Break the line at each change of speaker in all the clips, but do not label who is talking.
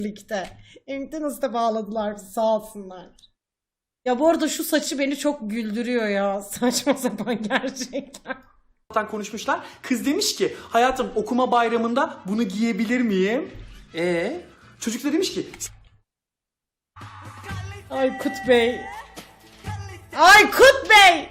birlikte. McDonald's'a bağladılar bizi, sağ olsunlar. Ya bu arada şu saçı beni çok güldürüyor ya. Saçma sapan gerçekten.
Konuşmuşlar. Kız demiş ki hayatım okuma bayramında bunu giyebilir miyim? Çocuk da demiş ki
Aykut Bey. Aykut Bey!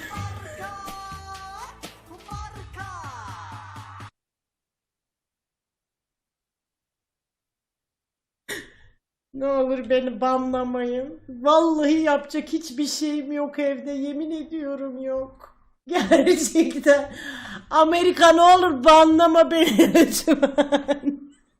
Ne olur beni banlamayın. Vallahi yapacak hiçbir şeyim yok evde. Yemin ediyorum yok. Gerçekten. Amerika ne olur banlama beni lütfen.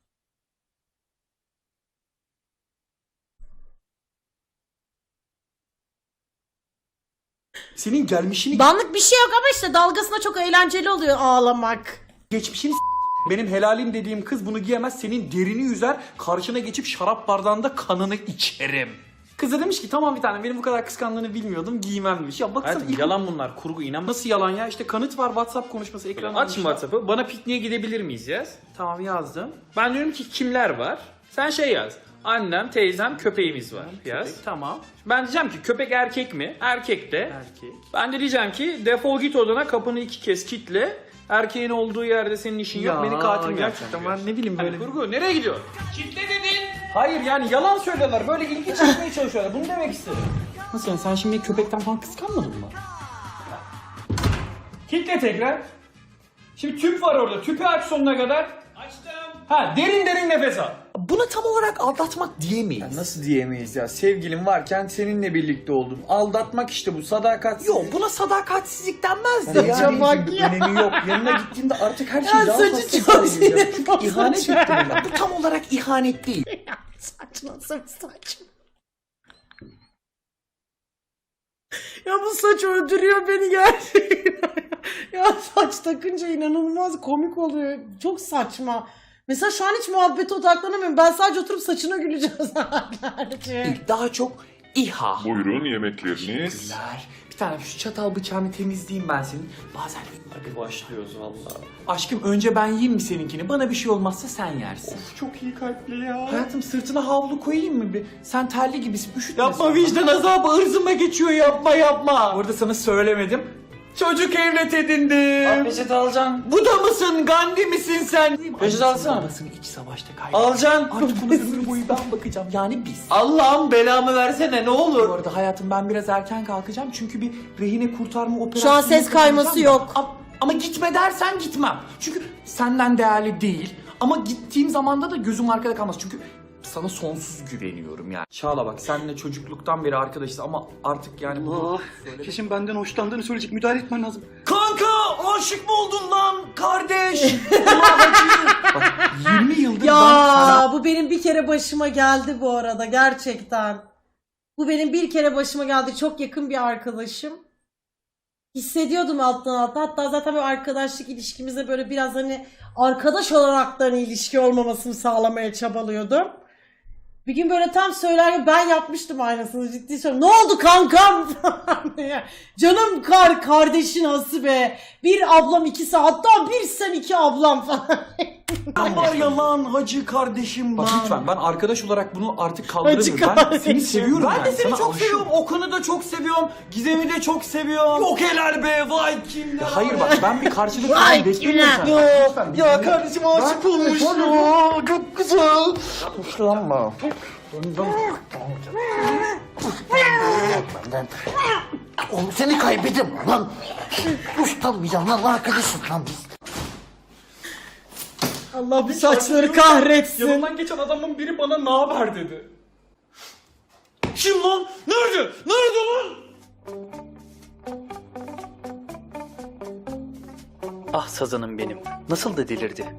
senin gelmişini
Banlık bir şey yok ama işte dalgasına çok eğlenceli oluyor ağlamak.
geçmişini benim helalim dediğim kız bunu giyemez, senin derini yüzer, karşına geçip şarap bardağında kanını içerim. Kız da demiş ki tamam bir tane, benim bu kadar kıskandığını bilmiyordum, giymem demiş. Ya baksana
Hayatım, yalan bunlar, kurgu, inan.
nasıl yalan ya, işte kanıt var, WhatsApp konuşması ekranı.
Aç şimdi WhatsApp'ı. Bana pikniğe gidebilir miyiz yaz.
Tamam yazdım.
Ben diyorum ki kimler var? Sen şey yaz. Annem, teyzem, köpeğimiz var. Yaz.
Köpek, tamam.
Ben diyeceğim ki köpek erkek mi? Erkek de.
Erkek.
Ben de diyeceğim ki defol git odana, kapını 2 kez kilitle. Erkeğin olduğu yerde senin işin yok. Beni katil mi yapacaksın?
gerçekten ben ne bileyim böyle.
Kurgu nereye gidiyor? Kilitle dedin.
Hayır yani yalan söylüyorlar, böyle ilgi çekmeye çalışıyorlar, bunu demek istedim. Nasıl yani, sen şimdi köpekten falan kıskanmadın mı? Kilitle tekrar. Şimdi tüp var orada, tüpü aç sonuna kadar.
Açtım.
Ha, derin derin nefes al. Buna tam olarak aldatmak diyemeyiz.
Ya nasıl diyemeyiz ya? Sevgilim varken seninle birlikte oldum. Aldatmak işte bu, sadakat.
Yok, buna sadakatsizlik denmez de.
Yani
Saça bak
şimdi
ya.
önemi yok. Yanına gittiğimde artık her şey
Ya
daha
saçı
hassas
çok
hale geliyor.
sinir
Çünkü
bozucu.
ihanet ettim ben.
Bu tam olarak ihanet değil.
Saç nasıl bir saç? Ya bu saç öldürüyor beni gerçekten. Ya saç takınca inanılmaz komik oluyor. Çok saçma. Mesela şu an hiç muhabbete odaklanamıyorum. Ben sadece oturup saçına güleceğim saatlerce.
Daha çok İHA.
Buyurun yemekleriniz.
Teşekkürler. Bir tane şu çatal bıçağını temizleyeyim ben senin. Bazen
Hadi başlıyoruz vallahi.
aşkım önce ben yiyeyim mi seninkini? Bana bir şey olmazsa sen yersin.
Çok iyi kalpli ya.
Hayatım sırtına havlu koyayım mı bir? Sen terli gibisin, üşütme.
Yapma,
sonra.
vicdan
azabı ırzıma geçiyor, yapma. Orada sana söylemedim. Çocuk evlat edindim.
Peçete alacaksın.
Bu da mısın? Gandhi misin sen?
Peçete alsana.
Babasını iç savaşta kaybetti.
Alacaksın.
Artık ona ömür boyu ben bakacağım. Yani biz.
Allah'ım belamı versene ne
Bu
olur.
arada hayatım ben biraz erken kalkacağım çünkü bir rehine kurtarma operasyonu
Şu an ses kayması
yapacağım da.
yok.
Ama gitme dersen gitmem. Çünkü senden değerli değil. Ama gittiğim zamanda da gözüm arkada kalmaz. Çünkü sana sonsuz güveniyorum yani. Çağla bak, seninle çocukluktan beri arkadaşız ama artık yani...
Kesin benden hoşlandığını söyleyecek, müdahale etmen lazım.
Kanka aşık mı oldun lan kardeş? Bak 20 yıldır ben sana...
Ya bu benim bir kere başıma geldi bu arada gerçekten. Bu benim bir kere başıma geldi. Çok yakın bir arkadaşım. Hissediyordum alttan alta. Hatta zaten böyle arkadaşlık ilişkimizde böyle biraz hani arkadaş olarak da hani ilişki olmamasını sağlamaya çabalıyordum. Bir gün böyle tam söylerken ben yapmıştım aynısını, ciddi söylüyorum. Ne oldu kankam falan diye. Canım kardeşin Hasibe. Bir ablam ikisi, hatta bir sen iki ablam falan.
Ama yalan hacı kardeşim lan. Bak lütfen, ben arkadaş olarak bunu artık kaldıramıyorum.
Hacı
Ben
kardeşim.
seni seviyorum
Ben
yani.
de seni
Sana
çok
aşığım.
seviyorum. Okan'ı da çok seviyorum. Gizem'i de çok seviyorum.
Yok helal be, vay kimler. Hayır bak, ben bir karşılık
Vay
beklemiyorum
kimler.
senden.
Ya kardeşim aşık olmuş. Ya, çok güzel. Hoşlanma.
Oğlum seni kaybettim lan. Ustanmayacağım lan, arkadaşım lan biz.
Allah bir saçları kahretsin.
Yanından geçen adamın biri bana ne haber dedi. Kim lan? Nerede? Nerede lan?
Ah sazanım benim. Nasıl da delirdi.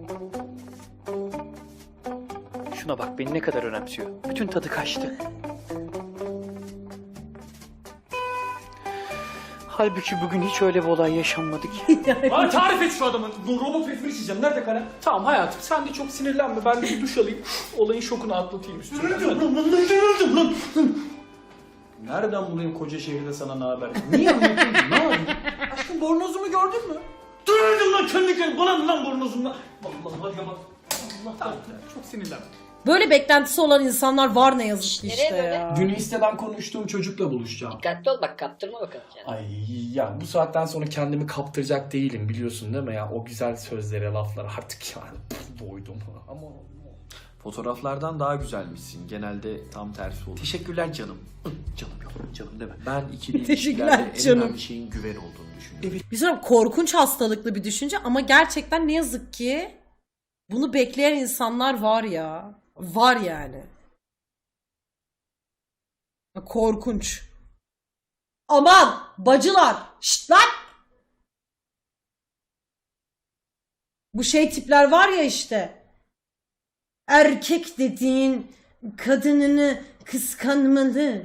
Şuna bak, beni ne kadar önemsiyor. Bütün tadı kaçtı. Halbuki bugün hiç öyle bir olay yaşanmadı ki.
Bana tarif et şu adamın. Robot frifri içeceğim. Nerede kalem?
Tamam hayatım, sen de çok sinirlenme. Ben de bir duş alayım. Olayın şokunu atlatayım üstüne. Nereden bulayım koca şehirde sana ne haber? Niye anlatayım? Ne yapayım? Aşkım bornozumu gördün mü?
Dönürdüm lan kendi kendine. Bana mı lan bornozumla? Vallahi hadi bak. Allah
Tamam, çok sinirlenme.
Böyle beklentisi olan insanlar var ne yazık ki
Nereye
işte
böyle?
ya.
Dün listeden konuştuğum çocukla buluşacağım.
Dikkatli ol bak, kaptırma bakalım kendini.
Ay ya bu saatten sonra kendimi kaptıracak değilim biliyorsun değil mi ya? O güzel sözlere, laflara artık yani doydum. Ama
Fotoğraflardan daha güzelmişsin. Genelde tam tersi olur.
teşekkürler canım. Canım yok, canım deme.
Ben ikili
Teşekkürler
ilişkilerde en
canım.
önemli şeyin güven olduğunu düşünüyorum.
Bir söyleyeyim, korkunç hastalıklı bir düşünce ama gerçekten ne yazık ki bunu bekleyen insanlar var ya. Var yani. Korkunç. Aman bacılar. Şşt lan. Bu şey tipler var ya işte. Erkek dediğin kadınını kıskanmalı.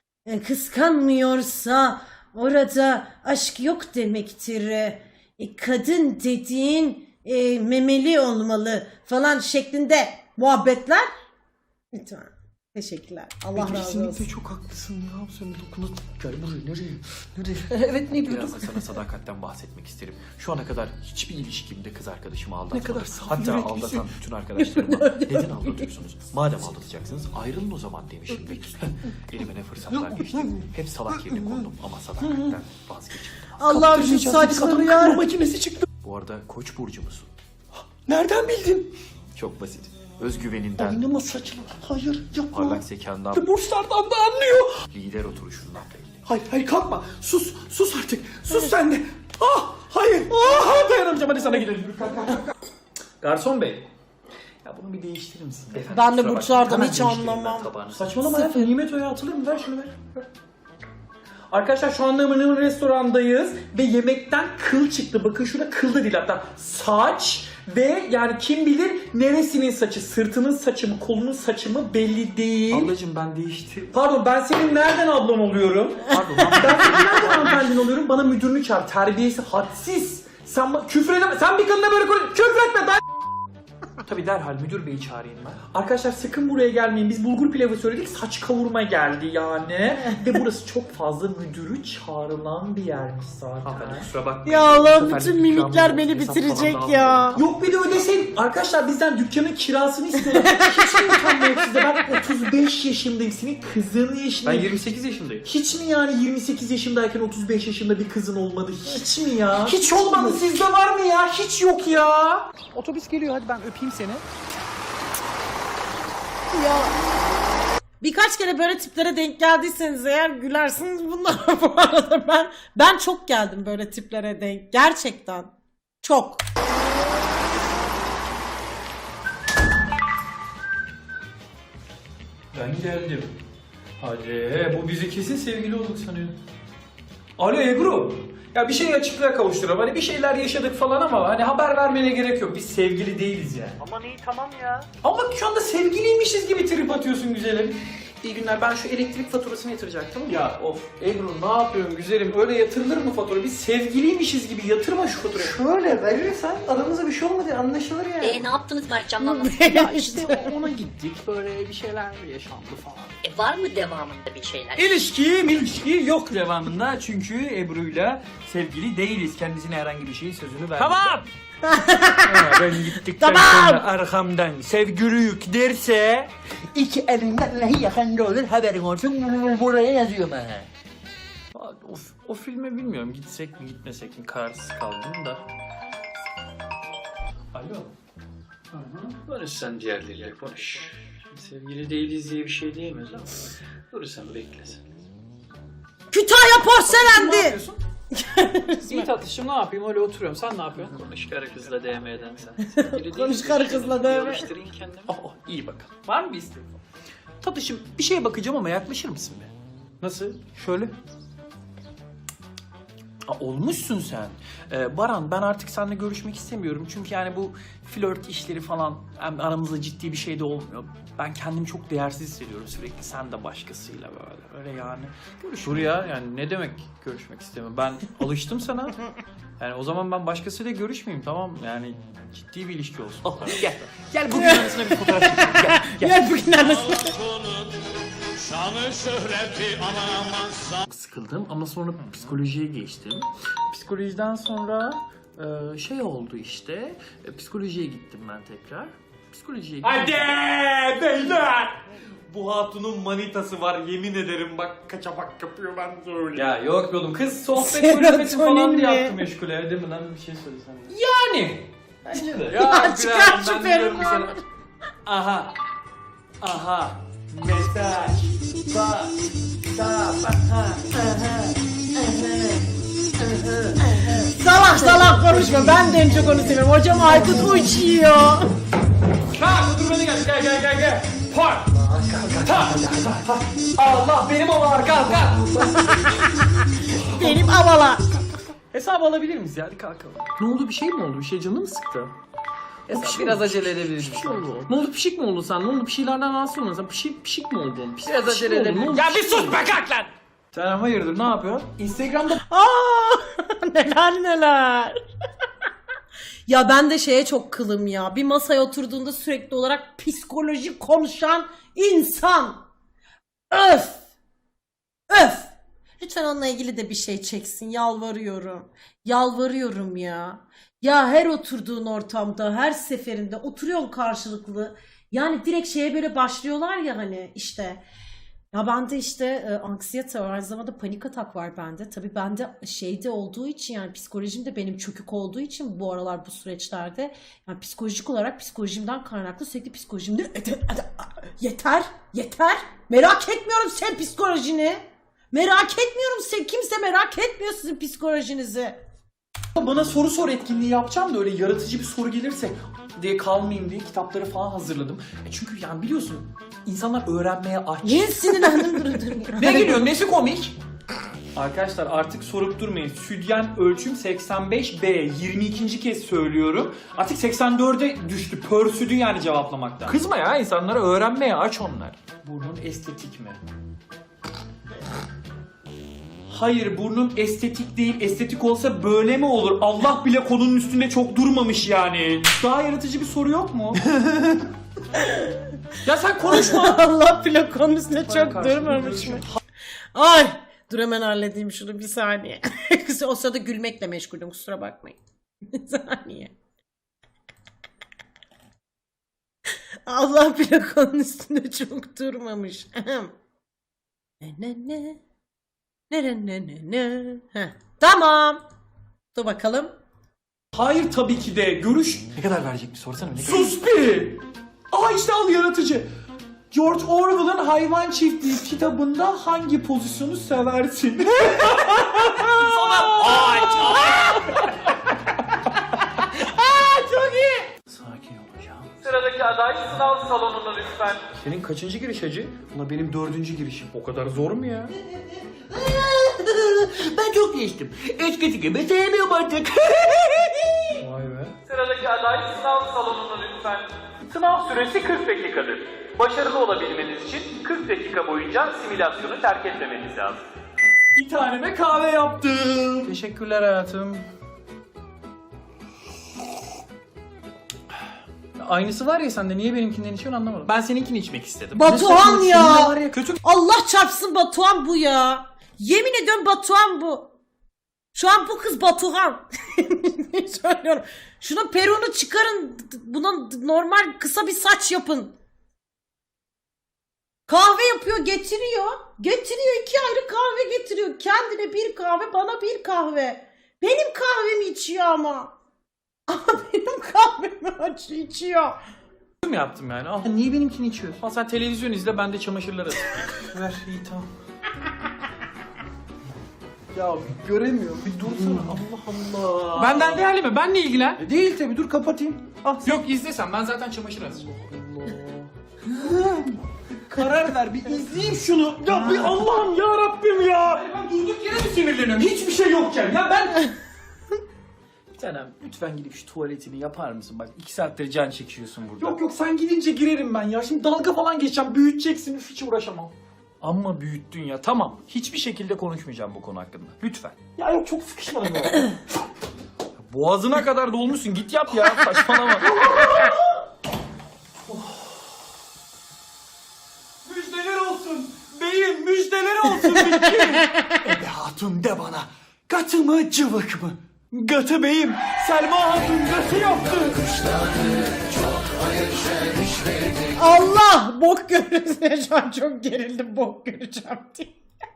Kıskanmıyorsa orada aşk yok demektir. Kadın dediğin memeli olmalı falan şeklinde muhabbetler. Lütfen. Teşekkürler. Allah razı olsun.
çok haklısın ya. Sen dokuna gel buraya nereye?
Evet ne diyorduk?
Biraz da sana sadakatten bahsetmek isterim. Şu ana kadar hiçbir ilişkimde kız arkadaşımı aldatmadım.
Ne kadar saf
Hatta
yüreklisin.
aldatan bütün arkadaşlarıma neden aldatıyorsunuz? Madem aldatacaksınız ayrılın o zaman demişim. Elime ne fırsatlar geçti. Hep salak yerine kondum ama sadakatten vazgeçtim.
Allah'ım şu saçları ya.
Makinesi çıktı.
Bu arada Koç burcu musun?
Nereden bildin?
Çok basit. Özgüveninden,
Oynama saçma. Hayır yapma.
parlak zekandan,
Burçlardan da anlıyor.
lider oturuşundan belli.
Hayır kalkma. Sus artık. Sus sen de. Ah hayır. Dayanamayacağım hadi sana gidelim.
Garson bey.
Ya bunu bir değiştirir misin?
Ben de
Kusura
burçlardan
bakma,
hiç
hemen değiştireyim ben
anlamam.
tabağını.
Saçmalama ya. Nimet Oya atılır mı? Ver şunu ver. Arkadaşlar şu anda Mını'nın restorandayız ve yemekten kıl çıktı. Bakın şurada kıl da değil hatta saç ve yani kim bilir neresinin saçı, sırtının saçı mı, kolunun saçı mı belli değil.
Ablacım ben değiştirdim.
Pardon ben senin nereden ablan oluyorum?
Pardon
Ben senin nereden hanımefendin oluyorum? Bana müdürünü çağır. Terbiyesi hadsiz. Sen küfür edeme. Sen bir kadına böyle küfür etme. Ben...
tabii derhal müdür beyi çağırayım ben.
Arkadaşlar sakın buraya gelmeyin. Biz bulgur pilavı söyledik. Saç kavurma geldi yani. Ve burası çok fazla müdürü çağrılan bir yermiş zaten.
Hanımefendi kusura bakmayın.
Ya
Bu
Allah'ım
sefer
bütün
bir ikramımız
mimikler
olsun,
beni
hesap falan
bitirecek
da
ya.
almayalım.
Yok bir de ödeseydin. Arkadaşlar bizden dükkanın kirasını istiyorlar. Hiç mi utanma yok sizde? Ben 35 yaşındayım. Senin kızın
Ben
yaşındayım.
28 yaşındayım.
Hiç mi yani 28 yaşındayken 35 yaşında bir kızın olmadı? Hiç mi ya?
Hiç olmadı.
Sizde var mı ya? Hiç yok ya.
Otobüs geliyor, hadi ben öpeyim seni.
Birkaç kere böyle tiplere denk geldiyseniz eğer gülersiniz bunlara bu arada. Ben çok geldim böyle tiplere denk. Gerçekten. Çok.
Ben geldim. Hadi bu bizi kesin sevgili olduk sanıyor. Alo Ebru. Ya bir şey açıklığa kavuşturalım. Hani bir şeyler yaşadık falan ama hani haber vermene gerek yok. Biz sevgili değiliz yani.
Aman iyi tamam ya.
Ama şu anda sevgiliymişiz gibi trip atıyorsun güzelim. İyi günler. Ben şu elektrik faturasını yatıracaktım. Ya of Ebru ne yapıyorsun güzelim? Öyle yatırılır mı fatura? Biz sevgiliymişiz gibi yatırma şu faturayı.
Şöyle verirsen aramızda bir şey olmadı anlaşılır yani.
Ne yaptınız Mertcan'la?
Ya işte ona gittik, böyle bir şeyler yaşandı falan.
Var mı devamında bir şeyler?
İlişki yok devamında çünkü Ebru'yla sevgili değiliz. Kendisine herhangi bir şeyin sözünü verdik. Tamam! Ben gittikten sonra arkamdan sevgiliyük derse
İki elinden neyi yakanda olur haberin olsun. Buraya yazıyorum ha.
O filme bilmiyorum gitsek mi gitmesek mi kararsız kaldım da. Alo. Konuş sen diğerleriyle konuş. Sevgili değiliz diye bir şey diyemez ama. Dur sen bekle sen.
Kütahya
Ne
porselendi.
yapıyorsun? İyi tatlışım ne yapayım öyle oturuyorum. Sen ne yapıyorsun?
Konuş karı kızla DM'den sen. Sevgili
Konuş
değiliz,
karı kızla DM.
Alıştırayım kendimi.
Oh, iyi bakalım.
Var mı bir isteğin? Tatlışım bir şeye bakacağım ama yaklaşır mısın be?
Nasıl?
Şöyle. Olmuşsun sen. Baran ben artık seninle görüşmek istemiyorum. Çünkü yani bu flört işleri falan hem aramızda ciddi bir şey de olmuyor. Ben kendimi çok değersiz hissediyorum sürekli. Sen de başkasıyla böyle. Öyle yani.
Dur ya yani ne demek görüşmek istemiyorum. Ben alıştım sana. Yani o zaman ben başkasıyla görüşmeyeyim tamam mı? Yani ciddi bir ilişki olsun.
Gel. Gel bugün arasına bir fotoğraf çekelim. Gel.
Gel bugün arasında.
Çok sıkıldım ama sonra psikolojiye geçtim. Psikolojiden sonra şey oldu işte. Psikolojiye gittim ben tekrar. psikolojiye
Hadi beyler. Bu hatunun manitası var yemin ederim bak kaçamak yapıyor ben söyleyeyim.
Ya yok be oğlum kız sohbet
Serotonin
kulübesi falan diye
mi?
yaptı meşgule. Değil mi lan bir şey söylesem.
Yani.
Bence de.
Ya çıkar şu
ben diyorum
peruğu.
sana. Aha. Aha. Mesaj. Bak.
Salak konuşma. Ben de en çok onu seviyorum. Hocam Aykut uçuyor.
Kalk otur beni gel. Park. Allah benim olar kalk.
Benim avala.
Hesabı alabilir miyiz ya? Hadi kalkalım. Ne oldu bir şey mi oldu? Bir şey canını mı sıktı? Hesap biraz acele edebiliriz. Bir şey oldu. Ne oldu pişik mi oldun sen? Ne oldu bir şeylerden rahatsız olmadın sen? Pişik mi oldun? Biraz acele edebiliriz.
Ya bir sus be kalk lan.
Sen hayırdır ne yapıyorsun?
Instagram'da
Neler. Ya ben de şeye çok kılım ya. Bir masaya oturduğunda sürekli olarak psikoloji konuşan insan. Öf. Lütfen onunla ilgili de bir şey çeksin. Yalvarıyorum ya. Ya her oturduğun ortamda, her seferinde oturuyorsun karşılıklı. Yani direkt şeye böyle başlıyorlar ya hani işte. Ya bende işte anksiyete var, aynı zamanda panik atak var bende. Tabii bende şeyde olduğu için yani psikolojim de benim çökük olduğu için bu aralar bu süreçlerde yani psikolojik olarak psikolojimden kaynaklı sürekli psikolojimde yeter. Merak etmiyorum sen psikolojini. Merak etmiyorum sen kimse merak etmiyor sizin psikolojinizi.
Bana soru sor etkinliği yapacağım da öyle yaratıcı bir soru gelirse diye kalmayayım diye kitapları falan hazırladım. Çünkü yani biliyorsun insanlar öğrenmeye aç.
Niye sinirlendim durun.
Ne gülüyorsun? Nesi komik? Arkadaşlar artık sorup durmayın. Südyen ölçüm 85B. 22. kez söylüyorum. Artık 84'e düştü. Pörsüdü yani cevaplamaktan. Kızma ya insanlara öğrenmeye aç onlar. Burnun estetik mi? Hayır burnun estetik değil. Estetik olsa böyle mi olur? Allah bile konunun üstünde çok durmamış yani. Daha yaratıcı bir soru yok mu? Ya sen konuşma.
Allah bile konusunda çok
karşılıklı
durmamış
görüşüm.
mı? Ay dur hemen halledeyim şunu bir saniye. O sırada gülmekle meşgulüm kusura bakmayın. Bir saniye. Allah bile konunun üstünde çok durmamış. Ne. Heh, tamam. Dur bakalım.
Hayır tabii ki de. Görüş...
Ne kadar verecek bir sorsana.
Sus bir! Aa işte al yaratıcı. George Orwell'ın Hayvan Çiftliği kitabında hangi pozisyonu seversin? Çok iyi.
Sakin olacağım.
Sıradaki aday sınav salonuna lütfen.
Senin kaçıncı giriş hacı? Ulan benim 4. girişim. O kadar zor mu ya?
Ben çok geçtim. Eskisi gibi sevmiyorum artık.
Vay be.
Sıradaki aday sınav salonuna lütfen. Sınav süresi 40 dakikadır. Başarılı olabilmeniz için 40 dakika boyunca simülasyonu terk etmemeniz lazım.
Bir taneme kahve yaptım. Teşekkürler hayatım. Aynısı var ya sende niye benimkinden içiyorsun anlamadım. Ben seninkini içmek istedim.
Batuhan
Ne
ya.
seninle var ya kötü.
Allah çarpsın Batuhan bu ya. Yemin ediyorum Batuhan bu. Şu an bu kız Batuhan. Söylüyorum. Şunun peruğunu çıkarın. Buna normal kısa bir saç yapın. Kahve yapıyor getiriyor. Getiriyor 2 ayrı kahve getiriyor. Kendine bir kahve bana bir kahve. Benim kahvemi içiyor ama. Ama benim kahvemi içiyor.
mi yaptım yani? Ah, niye benimkini içiyorsun? Al sen televizyon izle ben de çamaşırları atayım. Ver iyi tamam. Ya bir göremiyorum bir dursana Allah Allah. Benden değerli mi? Benle ilgilen.
Değil tabi dur kapatayım.
Yok izlesen ben zaten çamaşır atacağım.
Karar ver bir izleyeyim şunu.
Ya bir Allah'ım ya Rabbim ya. Ben durduk yere mi sinirleniyorum? Hiçbir şey yokken ya ben... Bir tanem lütfen gidip şu tuvaletini yapar mısın? Bak 2 saattir can çekiyorsun burada.
Yok sen gidince girerim ben ya. Şimdi dalga falan geçeceğim. Büyüteceksin. Hiç uğraşamam.
Amma büyüttün ya tamam. Hiçbir şekilde konuşmayacağım bu konu hakkında. Lütfen.
Ya yok çok sıkışmadım ya.
Boğazına kadar dolmuşsun git yap ya saçmalama.
Müjdeler olsun. Beyim müjdeler olsun. Ebe hatun de bana. Katı mı cıvık mı? Gatı beyim. Selma hatun gatı yaptı.
Allah! Bok görürüz ya, şu an çok gerildim, bok göreceğim diye.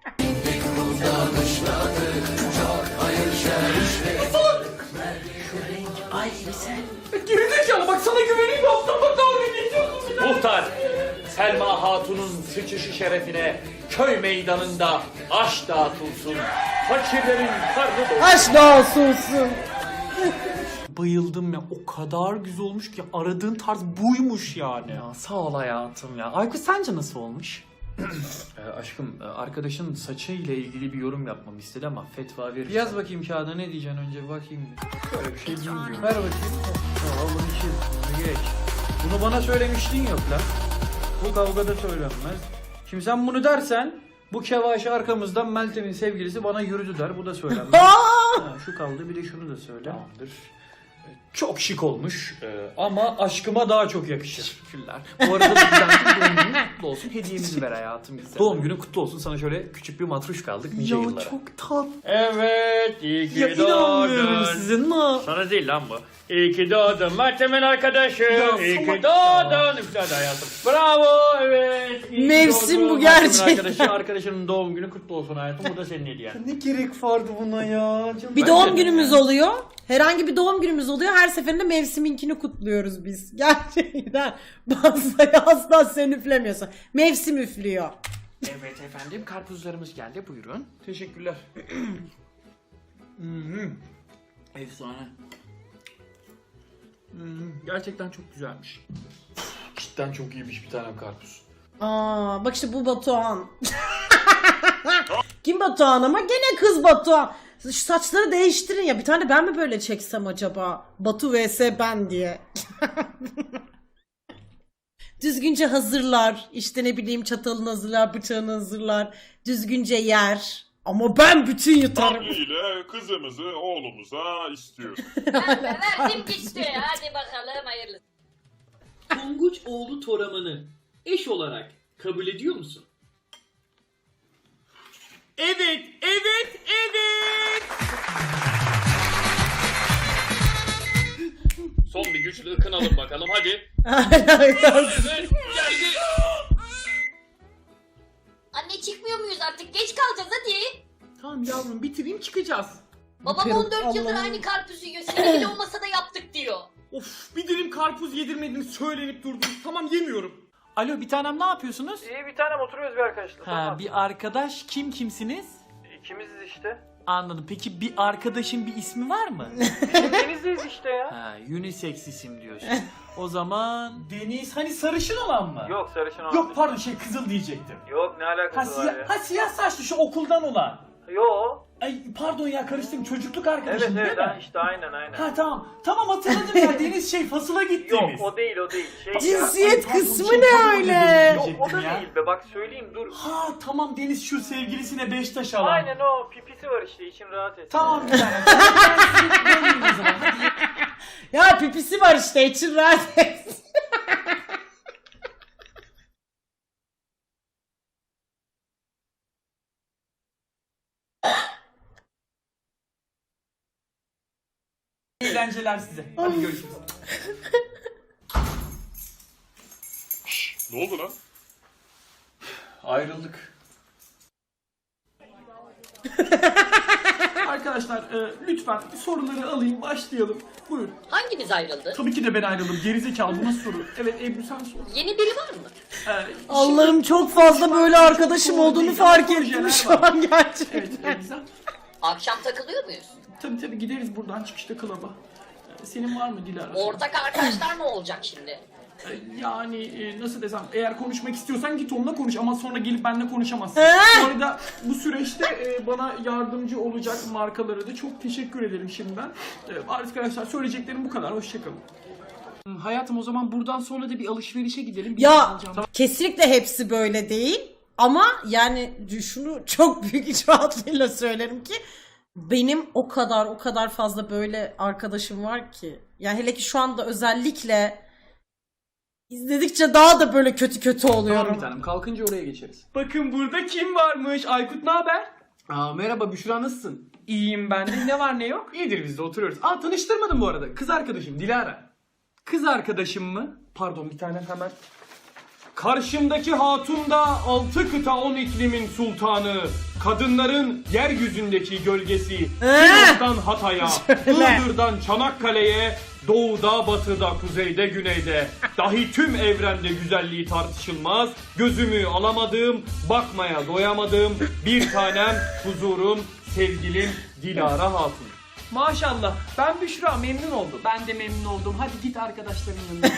Gerizekalı bak sana güveneyim aptal bak dalga geçiyorsun bir de.
Muhtar, Selma Hatun'un sıçışı şerefine köy meydanında aş dağıtılsın. Fakirlerin karnı doysun.
Aşk olsun.
Bayıldım ya, o kadar güzel olmuş ki aradığın tarz buymuş yani.
Ya sağ ol hayatım ya. Aykut sence nasıl olmuş? Aşkım arkadaşın saçı ile ilgili bir yorum yapmamı istedi ama fetva verir. Yaz bakayım kağıda, ne diyeceksin önce bir bakayım. Böyle bir şey bilmiyorum. Ver bakayım. Tamam bunu çiz. Bunu geç. Bunu bana söylemiştin yok lan. Bu kavgada söylenmez. Şimdi sen bunu dersen bu kevaşı arkamızdan Meltem'in sevgilisi bana yürüdü der. Bu da söylenmez. Ha, şu kaldı, bir de şunu da söyle. Tamamdır. Çok şık olmuş ama aşkıma daha çok yakışır. Teşekkürler. Bu arada da doğum günün kutlu olsun. Hediyemizi ver hayatım güzel. Doğum günün kutlu olsun. Sana şöyle küçük bir matruş kaldık nice yıllara.
Ya çok tatlı.
Evet, iyi ki
Ya inanmıyorum
doğdun.
sizin mi?
Sana değil lan bu. İyi ki doğdun Meltem'in arkadaşı. İyi ki
salak
doğdun. Güzel hayatım. Bravo, evet. iyi ki
Mevsim
doğdun.
bu
Meltem'in
gerçekten.
Arkadaşının doğum günü kutlu olsun hayatım. Bu da senin hediyen.
Ne gerek vardı buna ya? Canım.
Bir doğum günümüz oluyor. Herhangi bir doğum günümüz oluyor. Her seferinde mevsiminkini kutluyoruz biz. Gerçekten. Bazıları asla sen üflemiyorsun. Mevsim üflüyor.
Evet efendim, karpuzlarımız geldi, buyurun.
Teşekkürler. Efsane.
Gerçekten çok güzelmiş. Cidden çok iyiymiş bir tane karpuz.
Aa, bak işte bu Batuhan. Kim Batuhan ama? Gene kız Batuhan. Şu saçları değiştirin ya. Bir tane ben mi böyle çeksem acaba? Batu vs ben diye. Düzgünce hazırlar. İşte ne bileyim çatalını hazırlar, bıçağını hazırlar. Düzgünce yer. Ama ben bütün yutarım.
ile kızımızı oğlumuza istiyoruz.
Verdim gitti. Hadi bakalım hayırlısı.
Tonguç oğlu Toraman'ı eş olarak kabul ediyor musun?
Evet, evet, evet.
Son bir güçlü ıkınalım bakalım hadi.
Anne çıkmıyor muyuz artık? Geç kalacağız hadi.
Tamam yavrum bitireyim çıkacağız.
Babam
Biterim,
14 yıldır
Allah'ım.
aynı karpuzu yiyor. Senin bile olmasa da yaptık diyor.
Of bir dilim karpuz yedirmediniz söylenip durdunuz. Tamam yemiyorum. Alo bir tanem ne yapıyorsunuz?
İyi bir tanem oturuyoruz bir arkadaşla.
Ha bir arkadaş kimsiniz?
İkimiziz işte.
Anladım. Peki bir arkadaşın bir ismi var mı?
Denizdeyiz işte ya.
Ha unisex isim diyorsun. O zaman Deniz hani sarışın olan mı?
Yok sarışın olan.
Yok pardon kızıl diyecektim.
Yok ne
Ha,
alakası var ya.
siyah saçlı şu okuldan olan.
Yok.
Ay pardon ya karıştım çocukluk arkadaşım değil mi?
işte aynen.
Ha tamam. Tamam hatırladım ya Deniz faصıla gittiniz.
Yok o değil.
Cinsiyet
Pardon,
kısmı
şey,
ne
pardon,
öyle?
özür dilerim.
Yok o da
ya.
değil be bak söyleyeyim dur.
Ha tamam Deniz şu sevgilisine Beştaş alan.
Aynen o pipisi var işte için rahat et.
Tamam bir tane. Ben sizi böleyim o zaman. Hadi.
Ya pipisi var işte, için rahat et.
Eğlenceler size. Hadi görüşürüz.
Ne oldu lan?
Ayrıldık.
Arkadaşlar lütfen soruları alayım başlayalım. Buyur.
Hanginiz ayrıldı?
Tabii ki de ben ayrıldım. Gerizekalı bu nasıl soru? Evet Ebru sen sor.
Yeni biri var mı?
Allah'ım çok fazla böyle arkadaşım olduğunu fark ettim şu an gerçekten.
Evet güzel.
Akşam takılıyor muyuz?
Tabii gideriz buradan çıkışta klaba. Senin var mı Dilara?
Ortak arkadaşlar ne olacak şimdi?
Yani nasıl desem eğer konuşmak istiyorsan git onunla konuş ama sonra gelip benimle konuşamazsın. Bu arada bu süreçte bana yardımcı olacak markalara da çok teşekkür ederim şimdiden. Arkadaşlar söyleyeceklerim bu kadar. Hoşçakalın. Hayatım o zaman buradan sonra da bir alışverişe gidelim. Bir şey
Ya
alacağım.
kesinlikle hepsi böyle değil. Ama yani şunu çok büyük iç rahatlığıyla söylerim ki benim o kadar fazla böyle arkadaşım var ki. Yani hele ki şu anda özellikle izledikçe daha da böyle kötü
Tamam
oluyorum.
bir tanem, kalkınca oraya geçeriz.
Bakın burada kim varmış? Aykut ne haber?
Merhaba Büşra, nasılsın?
İyiyim ben de. Ne var ne yok?
İyidir, biz de oturuyoruz. Tanıştırmadım bu arada. Kız arkadaşım Dilara.
Kız arkadaşım mı?
Pardon bir tane hemen. Karşımdaki hatun da 6 kıta 10 iklimin sultanı. Kadınların yeryüzündeki gölgesi. Sinop'tan Hatay'a, Iğdır'dan Çanakkale'ye, doğuda, batıda, kuzeyde, güneyde. Dahi tüm evrende güzelliği tartışılmaz. Gözümü alamadığım, bakmaya doyamadığım bir tanem, huzurum, sevgilim Dilara Hatun.
Maşallah. Ben Büşra memnun oldum. Ben de memnun oldum. Hadi git arkadaşların yanına.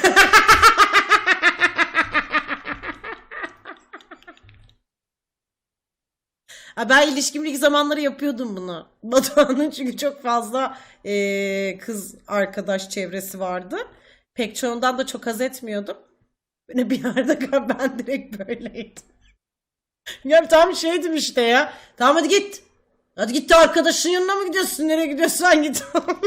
Ha, ben ilişkimlik zamanları yapıyordum bunu. Batuhan'ın çünkü çok fazla kız arkadaş çevresi vardı. Pek çoğundan da çok haz etmiyordum. Böyle bir yerde ben direkt böyleydim. Ya tam şeydim işte ya. Tamam hadi git. Hadi git de arkadaşın yanına mı gidiyorsun? Nereye gidiyorsan git.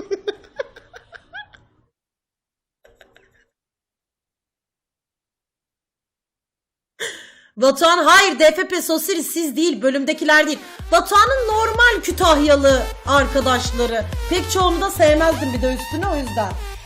Batuhan hayır DFP Sosiri siz değil bölümdekiler değil. Batuhan'ın normal Kütahyalı arkadaşları. Pek çoğunu da sevmezdim bir de üstüne o yüzden.